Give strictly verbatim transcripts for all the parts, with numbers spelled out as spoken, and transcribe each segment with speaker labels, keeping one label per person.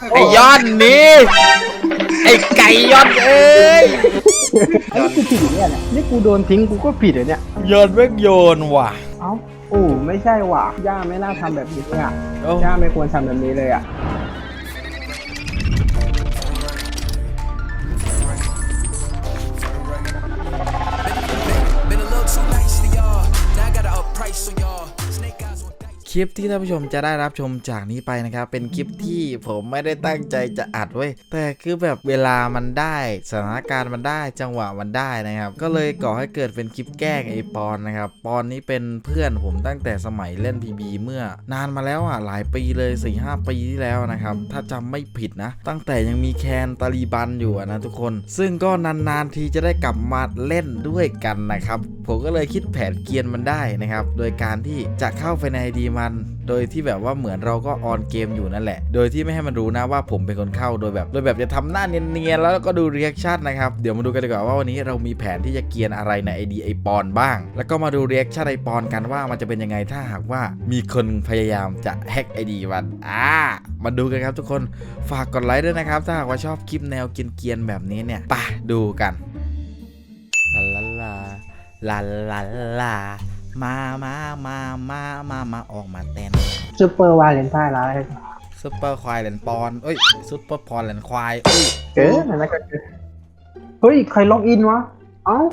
Speaker 1: ไอ้ยอดนี่ไอ้ไก่ยอดเอ้ย
Speaker 2: ไอ้กูผิดเนี่ยแหละนี่กูโดนทิ้งกูก็ผิดเหรอเนี่ย
Speaker 1: ยอดแม่งโยนว่ะ
Speaker 2: เอ้าโอ้ไม่ใช่ว่ะย่าไม่น่าทำแบบนี้เลยอ่ะ
Speaker 1: เอ้า
Speaker 2: ย่าไม่ควรทำแบบนี้เลยอ่ะ
Speaker 1: คลิปที่ท่านผู้ชมจะได้รับชมจากนี้ไปนะครับเป็นคลิปที่ผมไม่ได้ตั้งใจจะอัดไว้แต่คือแบบเวลามันได้สถานการณ์มันได้จังหวะมันได้นะครับก็เลยก่อให้เกิดเป็นคลิปแกล้งไอปอนนะครับปอนนี้เป็นเพื่อนผมตั้งแต่สมัยเล่น พี บี เมื่อนานมาแล้วอ่ะหลายปีเลย สี่ห้า ปีที่แล้วนะครับถ้าจำไม่ผิดนะตั้งแต่ยังมีแคนตาลีบันอยู่นะทุกคนซึ่งก็นานๆทีจะได้กลับมาเล่นด้วยกันนะครับผมก็เลยคิดแผนเกียนมันได้นะครับโดยการที่จะเข้าไปใน ไอ ดี มันโดยที่แบบว่าเหมือนเราก็ออนเกมอยู่นั่นแหละโดยที่ไม่ให้มันรู้นะว่าผมเป็นคนเข้าโดยแบบโดยแบบจะทำหน้าเนียนๆแล้วก็ดูรีแอคชั่นนะครับเดี๋ยวมาดูกันดีกว่าว่าวันนี้เรามีแผนที่จะเกียนอะไรใน ไอ ดี ไอปอนบ้างแล้วก็มาดูรีแอคชั่นไอปอนกันว่ามันจะเป็นยังไงถ้าหากว่ามีคนพยายามจะแฮก ไอ ดี มันอ่ามาดูกันครับทุกคนฝากกดไลค์ด้วยนะครับถ้าหากว่าชอบคลิปแนวเกียนๆแบบนี้เนี่ยไปดูกันลาลาลาลาลาลามามามามามามาออกมาเต้น
Speaker 2: ซูเปอร์วาเลนไทน์แล้ว
Speaker 1: ซุปเปอร์ควายแหลนปอนเอ้ยซุปเปอร์พรแหลนควายเอ้ย
Speaker 2: เก๋นั่นก็เก๋เฮ้ยใครล็อกอินวะเอ้า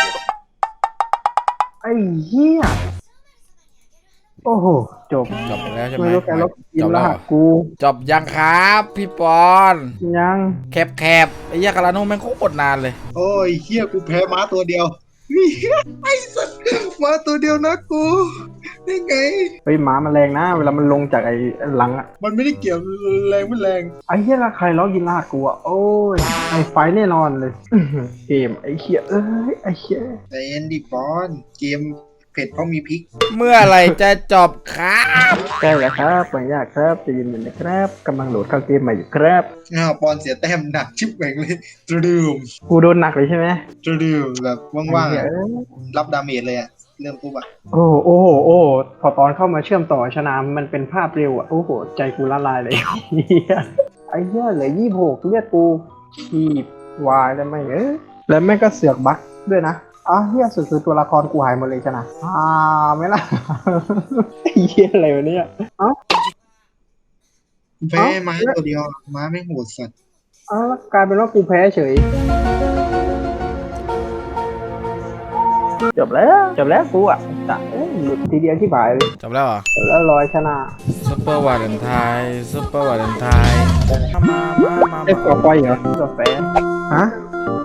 Speaker 2: ไอ้เหี้ยโอ้โหจบ
Speaker 1: จบแล้วใช่ไหม
Speaker 2: ไม่รู้ใครล็อกอิน
Speaker 1: จบ
Speaker 2: ร
Speaker 1: แล้ว
Speaker 2: หัสกู
Speaker 1: จบยังครับพี่ปอน
Speaker 2: ยัง
Speaker 1: แคบแคบไอ้ยาคาราโน่แม่งโคตรนานเลย
Speaker 3: โอ้ยเฮียกูแพ้ม้าตัวเดียวไอ้สัตว์ม้าตัวเดียวนะกูได้ไง
Speaker 2: เฮ้ยหมามันแรงนะเวลามันลงจากไอ้หลังอะ
Speaker 3: มันไม่ได้เกี่ยวแรงไม่แรง
Speaker 2: ไอ้เหี้ยละใครล็อกอินรหัสกูอะโอ้ยไอ้ไฟแน่นอนเลยอื้อหือเกมไอ้เหี้ยเอ้ยไอ้เหี้ย
Speaker 3: แต่เอ็นดีปอนเกมเผ็ดเพราะมีพริก
Speaker 1: เมื่อไหรจะจบครับ
Speaker 2: ใกล้แล้วครับไม่ยากครับจะยินดีนะครับกำลังโหลดเข้าเกมใหม่อยู่ครับ
Speaker 3: อ้าวปอนเสียแต้มหนักชิบแหวงเลยตระดืม
Speaker 2: กูโดนหนักเลยใช่ไหม
Speaker 3: ตระดืมแบบว่างๆ
Speaker 2: ไอ้
Speaker 3: อะ
Speaker 2: เหี้ยเอ้ย
Speaker 3: รับดาเมจเลยอะเริ่มปุ๊บอะ
Speaker 2: โอ้โหโอ้โหโอ้โหพอตอนเข้ามาเชื่อมต่อชนะมันเป็นภาพเร็วอ่ะโอ้โหใจกูละลายเลยเหี้ยไอ้เหี้ยเหลือยี่สิบหกเลือดกูขีบวายแล้วไม่เอ้ยแล้วแม่งก็เสือกบั๊กด้วยนะอ้าวเหี้ยสุดคือตัวละครกูหายหมดเลยชนะอ่าไม่ล่ะ ไอ้เหี้ยอะไรวะเนี่ยเอ้า
Speaker 3: แพ้ม้าตัวเดียวม้าไม่งโหดสัตว์
Speaker 2: เอ้ากลายเป็นว่ากูแพ้เฉยจบแล้วจบแล้วกูอ่ะจะเอ้ยหลุดทีเดียวที่บ่ายเลย
Speaker 1: จบแล้วเหรอ
Speaker 2: แล้วลอยชนะ
Speaker 1: ซุปเปอร์วาเลนไทน์ซุปเปอร์วาเลนไทน์มามามา
Speaker 2: เอ๊ะก่อไฟเหรอก่อแฟฮะ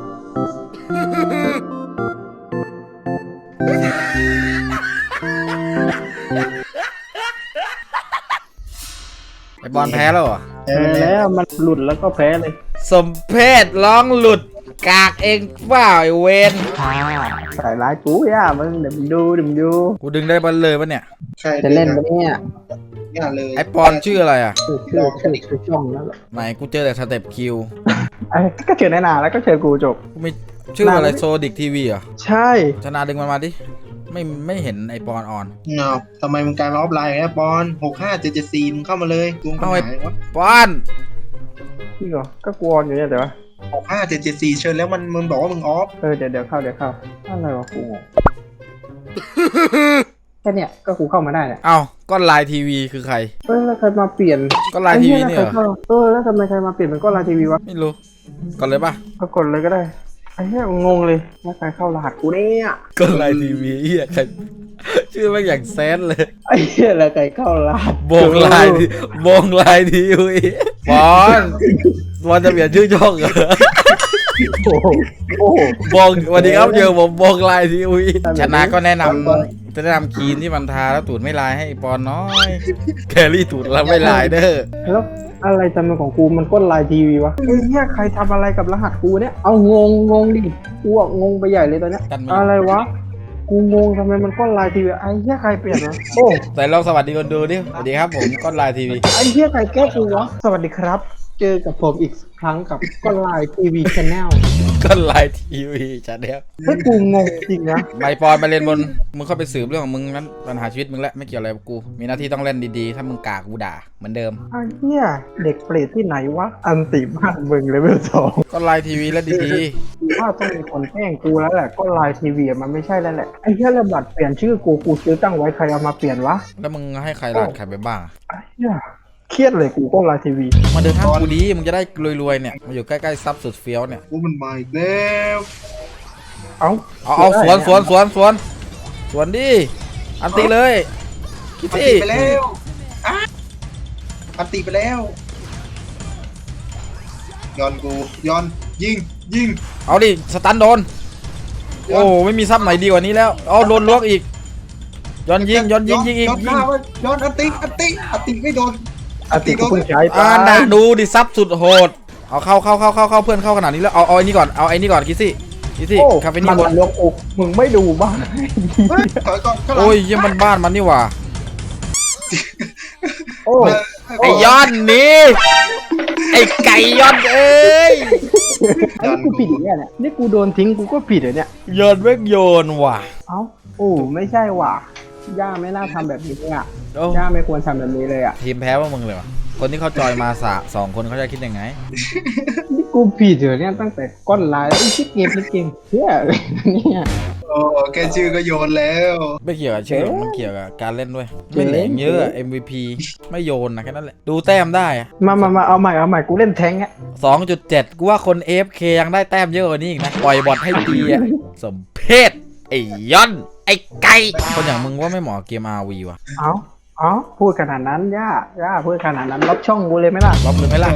Speaker 1: ไอ้บอลแพ้แล้วเหรอ
Speaker 3: แพ้
Speaker 2: แพ้
Speaker 3: ไปแล้ว
Speaker 2: แล้วมันหลุดแล้วก็แพ้เลย
Speaker 1: สมเพศร้องหลุดกากเองเปล่าไอเวน
Speaker 2: ใส่ร้ายกูย่ามึงเดี๋ยวมึงดูเดี๋ยวมึงดู
Speaker 1: กูดึงได้บอลเลยปะเนี่ย
Speaker 3: ใช่
Speaker 2: จะเล่นปะเนี่ย
Speaker 3: อย่าเลย
Speaker 1: ไอปอนชื่ออะไรอ่ะ
Speaker 2: ชื่อชื่อชื่อชื่อช่องนั่นแหละ
Speaker 1: ไหนกูเจอแต่สเต็ปคิว
Speaker 2: ไอ้ก็เจอในนาแล้วก็เจอกูจบ
Speaker 1: กูมีชื่ออะไรโซดิกทีวีเหรอ
Speaker 2: ใช่
Speaker 1: ชนะดึงมันมาดิไม่ไม่เห็นไอปอนออน
Speaker 3: เงาทำไมมึงกลายมาออฟไลน์แล้วปอนหกห้าเจ็ดเจ็ดสี่มึงเข้ามาเลยกูปัญ
Speaker 1: เอาไอ้
Speaker 3: หาวะ
Speaker 1: ปอน
Speaker 2: พี่ก็ก็กวนอยู่เนี่ยเดี๋ยว
Speaker 3: หกห้าเจ็ดเจ็ดสี่เชิญแล้วมันมึงบอกว่ามึงออฟ
Speaker 2: เออเดี๋ยวเดี๋ยวเข้าเดี๋ยวเข้าอะไรวะกูงงแค่เนี้ยก็กูเข้ามาได้เนี่ย
Speaker 1: เอ้าก้อนลายทีวีคือใคร
Speaker 2: เออแล้วใครมาเปลี่ยน
Speaker 1: ก้อนลายทีวีเนี่ยเหรอ
Speaker 2: ไอ้หี้แล้วใครเข้าเออแล้วทำไมใครมาเปลี่ยนเป็นก้อนลายทีวีวะ
Speaker 1: ไม่รู้ก่อนเลยป่ะ
Speaker 2: ก็กดเลยก็ได้ไอ้เหี้ยงงเลยแล้วใครเข้ารหัสกูเนี่ย
Speaker 1: ก้อนลายทีวีเฮียใครชื่อแม่งอย่างแซนเลย
Speaker 2: ไอ้เหี้ยแล้วใครเข้ารหัส
Speaker 1: โบงลายทีโบงลายทีวีปอนปอนจะเปลี่ยนชื่อช่องเหรอ
Speaker 2: โอ้โหโอ้โห
Speaker 1: บงสวัสดีครับเจอผมบงลายทีวีชนะก็แนะนำจะแนะนำครีมที่มันทาแล้วตูดไม่ลายให้ปอนน้อยแครี่ตูดแล้วไม่ลายเด้อ
Speaker 2: แล้วอะไรจำเป็นของกูมันก้นลายทีวีวะไอ้เหี้ยใครทำอะไรกับรหัสกูเนี่ยเอางงงงดิกูอะงงไปใหญ่เลยตอนเนี้ย
Speaker 1: กันมา
Speaker 2: อะไรวะกูงงทำไมมันก้นลายทีวีไอ้เหี้ยใครเปลี่ยนวะโอ้
Speaker 1: แต่ลองสวัสดีคนดูดิสวัสดีครับผมก้อนลายทีวี
Speaker 2: ไอ้เหี้ยใครแก้กูวะสวัสดีครับ เจอกับผมอีกครั้งกับก้นลายทีวีชาแนล
Speaker 1: ก็ไลน์ทีวีชาแนล
Speaker 2: ให้กูงงจริงนะ
Speaker 1: ใบปอนไปเล่นบนมึงเข้าไปสืบเรื่องของมึงนั้นปัญหาชีวิตมึงแล้วไม่เกี่ยวอะไรกับกูมีหน้าที่ต้องเล่นดีๆถ้ามึงกากกูด่าเหมือนเดิม
Speaker 2: ไอ้เหี้ยเด็กเปรตที่ไหนวะอันติบ้านมึงเลเวลสอง
Speaker 1: ก็ไลน์ทีวีเล่นดี
Speaker 2: กูว่าต้องมีคนแกล้งกูแล้วแหละก็ไลน์ทีวีมันไม่ใช่แล้วแหละไอ้เหี้ยระบัดเปลี่ยนชื่อกูกูซื้อตั้งไว้ใครเอามาเปลี่ยนวะ
Speaker 1: ๆแล้วมึงให้ใครลาดใครไปบ้าง
Speaker 2: ไอ้เหี้ยเครียดเลยกูก็ไลน์ทีวี
Speaker 1: มาเดินทางกูดีมึงจะได้รวยๆเนี่ยมาอยู่ใกล้ๆซับสุดเฟี้ยวเนี่ย
Speaker 3: กูมันมาอีกแล้ว
Speaker 2: เอ้า
Speaker 1: เอาเอาสวนสวนสวนสวนสวนดิอันตีเลยคิด
Speaker 3: อัน
Speaker 1: สิ
Speaker 3: ติไปแล้วอ่ะอันติไปแล้วย้อนกูย้อนยิงยิง
Speaker 1: เอาดิสตันโดนโอ้ไม่มีซับไหนดีกว่านี้แล้วเอาโดนลวกอีกย้อนยิงย้อนยิงยิงอีก
Speaker 3: ย้อนห
Speaker 1: ยิ
Speaker 3: น้าง ไว้ย้อนอันติอันติอันติไม่โดน
Speaker 2: อันติกูเพิ่งใช้ไป
Speaker 1: อ่าน่ะดูดิซับสุดโหดเอาเข้าเข้าเข้าเข้าเข้าเพื่อนเข้าขนาดนี้แล้วเอาเอาไอ้นี่ก่อนเอาไอ้นี่ก่อนคิดสิคิดสิ
Speaker 2: โอ้
Speaker 1: คาเฟ
Speaker 2: มั
Speaker 1: นี่
Speaker 2: น
Speaker 1: บน
Speaker 2: ลวกอกมึงไม่ดูบ้าง
Speaker 3: เฮ้ยถอยก่อนข้างหลัง
Speaker 1: โอ้ยเยี่ยมันบ้านมันนี่หว่า
Speaker 2: โอ้
Speaker 1: ไอ้ย้อนนี่ไอ้ไก่ย้อนเอ้ย
Speaker 2: ไอ้กูผิดเนี่ยเนี่ยนี่กูโดนทิ้งกูก็ผิดเหรอเนี่ย
Speaker 1: ย้อนแม่งโยนว่ะ
Speaker 2: เอ้าโอ้ไม่ใช่ว่ะย่าไม่น่าทำแบบนี้อ่ะ
Speaker 1: โอ้
Speaker 2: ย่าไม่ควรทำแบบนี้เลยอ่ะ
Speaker 1: ทีมแพ้ว่ามึงเลยวะคนที่เขาจอยมาสะสองคนเขาจะคิดยังไง
Speaker 2: นี่กูผิดเหรอเนี่ยตั้งแต่ก้อนไลน์ไอ้ชิคเกมชิคเกมเฮียเนี่ย
Speaker 3: โอ้แค่ชื่อก็โยนแล้ว
Speaker 1: ไม่เกี่ยวกับชื่อหรอกมันเกี่ยวกับการเล่นด้วยไม่เหลงเยอะ เอ็ม วี พี ไม่โยนนะแค่นั้นแหละดูแต้มได้อะ
Speaker 2: มามามาเอาใหม่เอาใหม่กูเล่นแทงค์อ่ะ
Speaker 1: สองจุดเจ็ดกูว่าคน เอ เอฟ เค ยังได้แต้มเยอะกว่านี้อีกนะปล่อยบอลให้ดีอะสมเพศไอ้ย้อนไอ้ไก่คนอย่างมึงว่าไม่เหมาะกับเกม อาร์ วี ว่ะ
Speaker 2: เอาเอาพูดขนาดนั้นย่าย่าพูดขนาดนั้นลบช่องกูเลยไหมล่ะ
Speaker 1: ล็อกเลยไหมล่ะ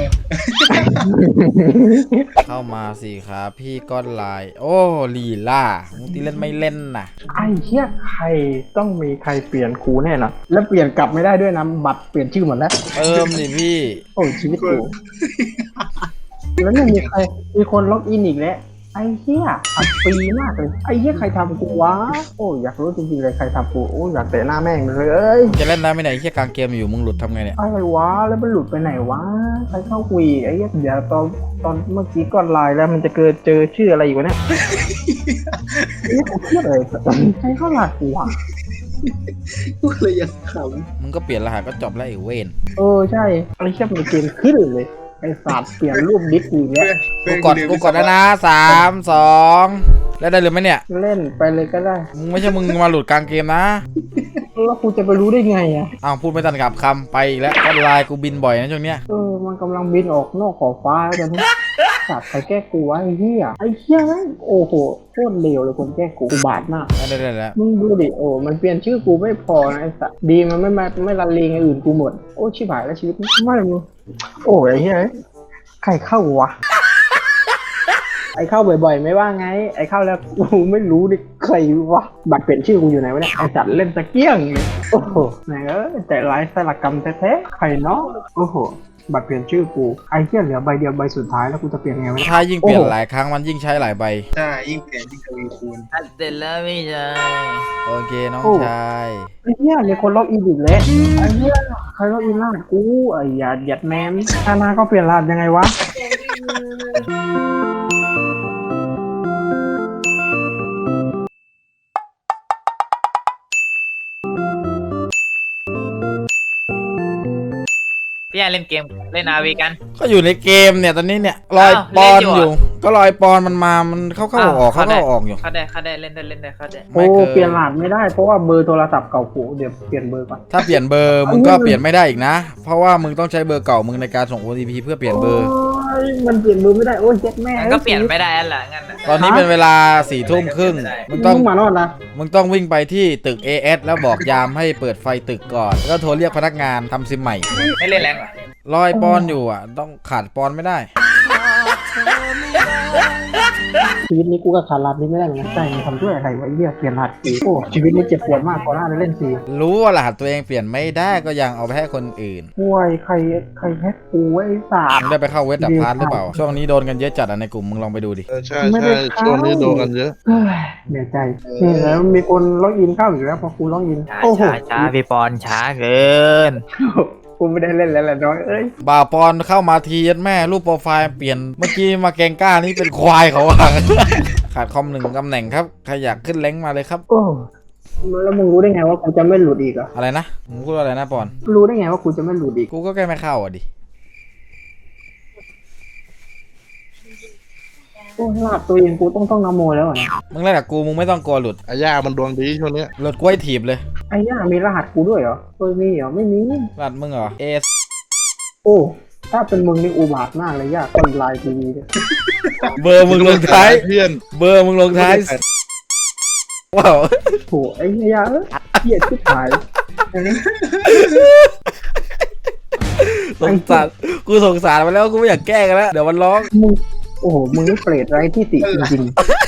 Speaker 1: เข้ามาสิครับพี่ก้อนลาย โอ้ลีล่ามึงตีเล่นไม่เล่นน่ะ
Speaker 2: ไอ้เหี้ยใครต้องมีใครเปลี่ยนครูแน่นอนแล้วเปลี่ยนกลับไม่ได้ด้วยนะบัตรเปลี่ยนชื่อหมดแล้ว
Speaker 1: เติมดิพี่
Speaker 2: โอ้ยชีวิตกูแล้วเนี่ยมีใครมีคนล็อกอินอีกแล้วไอ้เหี้ยอัดฟรีมากเลยไอ้เหี้ยใครทำกูวะโอ้ยอยากรู้จริงๆเลยใครทำกูโอ้ยอยากเตะหน้าแม่งเลย
Speaker 1: จะเล่นได้ไหมเนี่ยไอ้เหี้ยกลางเกมอยู่มึงหลุดทำไงเนี่ย
Speaker 2: อะไรวะแล้วมันหลุดไปไหนวะใครเข้าคุยไอ้เหี้ยเดี๋ยวตอนตอนเมื่อกี้ก่อนไลน์แล้วมันจะเกิดเจอชื่ออะไรอยู่วะเนี่ยไอ้เหี้ยกูเครียดเลยใครเข้าหลักกูวะ
Speaker 3: กูเลยยังข
Speaker 1: มึงก็เปลี่ยนรหัสก็จบแล้วไอ้เวน
Speaker 2: เออใช่ไอ้เชี่ยมันเกมขึ้นเลยไอ้สัตว์เปลี่ยนรูปดิสอีกแล้ว
Speaker 3: ำ
Speaker 1: กูกดกูกดแล้วนะสามสองแล้วได้หรือไม่เนี่ย
Speaker 2: เล่นไปเลยก็ได้
Speaker 1: มึงไม่ใช่มึงมาหลุดกลางเกมนะ
Speaker 2: แล้วกูจะไปรู้ได้ไงอ่ะ
Speaker 1: อ้าวพูดไม่ทันกับคำไปอีกแล้วก็ไลน์กูบินบ่อยนะช่วงเนี้ย
Speaker 2: เออมันกำลังบินออกนอกขอบฟ้าแล้วตอนนี้สัตว์ใครแก้กูวะไอ้เหี้ยไอ้เหี้ยแม่งโอ้โหโคตรเลวเลยคนแก้กูกูบาดมาก
Speaker 1: ได้ได้แล้ว
Speaker 2: มึงดูดิโอ้มันเปลี่ยนชื่อกูไม่พอนะไอ้สัตว์ดีมันไม่มาไม่รันเลงไอ้อื่นกูหมดโอ้ชิบหายแล้วชีวิตไม่มึงโอ้ยไอ้เหี้ยใครเข้าวะ ไอ้เข้าบ่อยๆไม่ว่าไงไอ้เข้าแล้วกูไม่รู้ดิใครวะบัตรเปลี่ยนชื่อกูอยู่ไหนวะเนี่ยไอ้สัตว์เล่นตะเกียงเลยโอ้โหไหนเอ้ยแต่ลายสลักกรรมแท้ๆใครเนาะโอ้โหบัตรเปลี่ยนชื่อกูไอ้เหี้ยเหลือใบเดียวใบสุดท้ายแล้วกูจะเปลี่ยนไงวะเนี่ย
Speaker 1: ถ้ายิ่งเปลี่ยน
Speaker 2: โอ้โห
Speaker 1: หลายครั้งมันยิ่งใช้หลายใบ
Speaker 3: ใช่ยิ่งเปลี่ยนยิ่งทวีคูณ
Speaker 4: เสร็จแล้วพี่ชาย
Speaker 1: โอเคน้องชาย
Speaker 2: ไอ้เหี้ยมีคนล็อกอินอีกแล้วไอ้เหี้ยใครล็อกอินล่ากูไอ้หยาดหยัดแมนอาณาก็เปลี่ยนรหัสยังไงวะ
Speaker 4: พี่ชายเล่นเกมเล่นอาวีกัน
Speaker 1: ก็อยู่ในเกมเนี่ยตอนนี้เนี่ยลอย
Speaker 4: อ้าว
Speaker 1: ปอน
Speaker 4: เล่นอยู่
Speaker 1: อยู่ ก็ลอยปอนมันมามันเข้าเข้าออกเข้าเข้าออกอยู่
Speaker 4: เข้าได้เข้าได้เล่นได้เล่นได้เข้าได้
Speaker 2: โอ้เปลี่ยนรหัสไม่ได้เพราะว่าเบอร์โทรศัพท์เก่ากูเดี๋ยวเปลี่ยนเบอร์ก่อน
Speaker 1: ถ้าเปลี่ยนเบอร์มึงก็เปลี่ยนไม่ได้อีกนะ เพราะว่ามึงต้องใช้เบอร์เก่ามึงในการส่ง โอ ที พี เพื่อเปลี่ยนเบอร์
Speaker 2: โอ้ยมันเปลี่ยนเบอร์ไม่ได้โอ้ยเจ็ดแม่
Speaker 4: งั้นก็เปลี่ยนไม่ได้แล้วล่ะงั้นน่ะ
Speaker 1: ตอนนี้เป็นเวลาสี่ทุ่มครึ่งมึง
Speaker 2: ต้
Speaker 1: ต้
Speaker 2: อ
Speaker 1: อง ง
Speaker 2: มานอนนะ
Speaker 1: มึงต้องวิ่งไปที่ตึก เอ เอส แล้วบอกยามให้เปิดไฟตึกก่อนแล้วก็โทรเรียกพนักงานทำซิมใหม่
Speaker 4: ไม่เล่นแรงเหรอ
Speaker 1: ลอยปอนอยู่อ่ะ ต้องขาดปอนไม่ได้
Speaker 2: ชีวิตนี้กูก็ขาดรหัสนี้ไม่ได้เหมือนกันใจมันทำด้วยอะไรวะไอ้เหี้ยเปลี่ยนรหัสกูโอ้ชีวิตนี้เจ็บปวดมากก่อนหน้าจะเล่นซี
Speaker 1: รู้ว่ารหัสตัวเองเปลี่ยนไม่ได้ก็ยังเอาไปให้คนอื่น
Speaker 2: ห่วยใครใครแฮกกูไอ้สา
Speaker 1: มึงได้ไปเข้าเวทดับพาร์ทหรือเปล่า ช่วงนี้โดนกันเยอะจัดอ่ะในกลุ่มมึงลองไปดูดิ
Speaker 5: เออใช่ใช่ช่วงนี้โดนกันเยอะ
Speaker 2: เฮ้ยเหนื่อยใจนี่แล้วมีคนล็อกอินเข้าอีกแล้วพอกูล็อกอิน
Speaker 4: ช้า
Speaker 2: โอ้โห
Speaker 4: ช้าช้าพี่ปอนช้าเกิน
Speaker 2: กูไม่ได้เล่นแล้วแหละน้องเอ้ย
Speaker 1: บ่าวปอนเข้ามาทียัดแม่รูปโปรไฟล์เปลี่ยนเมื่อกี้มาแกงก้านี่เป็นควายเขาอะ ขาดคอมหนึ่งตำแหน่งครับใครอยากขึ้นแรงค์มาเลยครับ
Speaker 2: โอ้แล้วมึงรู้ได้ไงว่ากูจะไม่หลุดอีกอ่ะ
Speaker 1: อะไรนะมึงพูดอะไรนะปอน
Speaker 2: รู้ได้ไงว่ากูจะไม่หลุดอีก
Speaker 1: กูก็แก้ไม่เข้าอ่ะดิ
Speaker 2: โอ้ลาดตัวเองกูต้องต้องนโมแล้วอ่ะ
Speaker 1: มึงเล่นกับกูมึงไม่ต้องกลัวหลุด
Speaker 5: อาย่ามันดวงดีช่วงเนี้ย
Speaker 1: หลุดกล้วยถีบเลย
Speaker 2: ไอ้ย่ามีรหัสกูด้วยเหรอเออมีเหรอไม่มี
Speaker 1: รัดมึงเหรอเอส
Speaker 2: โอ้ถ้าเป็นมึงนี่อุบาทมากเลยย่าคนลายทีวีเนี่ย
Speaker 1: เบอร์มึงลงท้าย
Speaker 5: เพื่อน
Speaker 1: เบอร์มึงลงท้ายว้าว
Speaker 2: โถไอ้เหี้ยเอ้ยเหี้ยชิบหายอันนี้
Speaker 1: สงสารกูสงสารมันแล้วกูไม่อยากแก้กันแล้วเดี๋ยวมันร้อง
Speaker 2: มึงโอ้โหมึงนี่เปรตไร้ที่ติจริง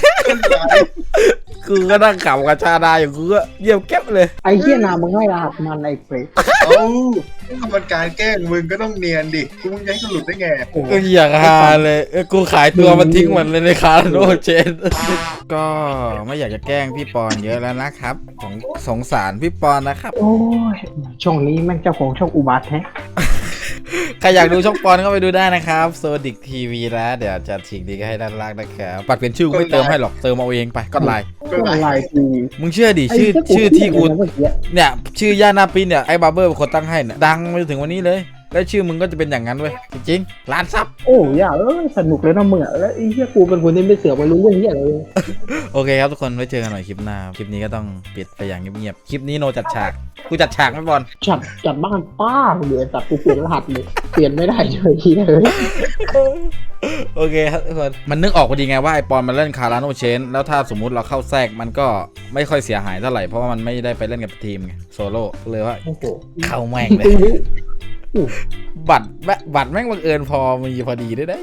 Speaker 1: กูก็นั่งขำกับชาดาอยู่กูก็เยี่ยมแก๊บเลย
Speaker 2: ๆไอ้เหี้ยนามึงให้รหัสมันไอ้เปรต
Speaker 3: เอ้าถ้ามันการแกล้งมึงก็ต้องเนียนดิกูมึงจะให้กูหลุดได้ไง
Speaker 2: โอ้โห
Speaker 1: ก็อยากฮาเลยเออกูขายตัวมันทิ้งหมดเลยในคาร์โนเชน ก็ไม่อยากจะแกล้งพี่ปอนเยอะแล้วนะครับของสงสารพี่ปอนนะครับ
Speaker 2: โอ้ยช่องนี้แม่งเจ้าของช่องอุบาทแท้
Speaker 1: ใครอยากดูช่องปอนก็ไปดูได้นะครับโซดิกทีวีแล้วเดี๋ยวจะทิ้งดีก็ให้ด้านล่างนะครับปัดเป็นชื่อกูไม่เติมให้หรอกเติมเอาเองไปก็ไลน์
Speaker 2: ช่องลายทีวี
Speaker 1: มึงเชื่อดิชื่อชื่อที่กูเนี่ยชื่อย่าหน้าปีเนี่ยไอ้บาร์เบอร์เป็นคนตั้งให้เนี่ยดังมาจนถึงวันนี้เลยแล้วชื่อมึงก็จะเป็นอย่างนั้นเว้ยจริงๆล้านซับ
Speaker 2: โอ้ย่าเอ้ยสนุกเลยนะมึงอ่ะแล้วไอ้เหี้ยกูเป็นคนที่ไม่เสือกไม่รู้เรื่องเหี้ยอะไรเลย
Speaker 1: โอเคครับทุกคนไว้เจอกันใหม่คลิปหน้าคลิปนี้ก็ต้องปิดไปอย่างเงียบๆคลิปนี้โนจัดฉากกูจัดฉากไม่บอล
Speaker 2: จัดจัดบ้านป้าเดี๋ยวจัดกูเปลี่ยนรหัสเลยเปลี่ยนไม่ได้เลยทีเลย
Speaker 1: โอเคครับทุกคนมันนึกออกพอดีไงว่าไอปอนมันเล่นคาราโนเชนแล้วถ้าสมมุติเราเข้าแทรกมันก็ไม่ค่อยเสียหายเท่าไหร่เพราะว่ามันไม่ได้ไปเล่นกับทีมไงโซโล่เลยว่า
Speaker 2: โอ้โห
Speaker 1: เข้าแม่งเลย
Speaker 2: จริงๆ
Speaker 1: บัตรแม่บัตรแม่งบังเอิญพอมีพอดีด้วยนะ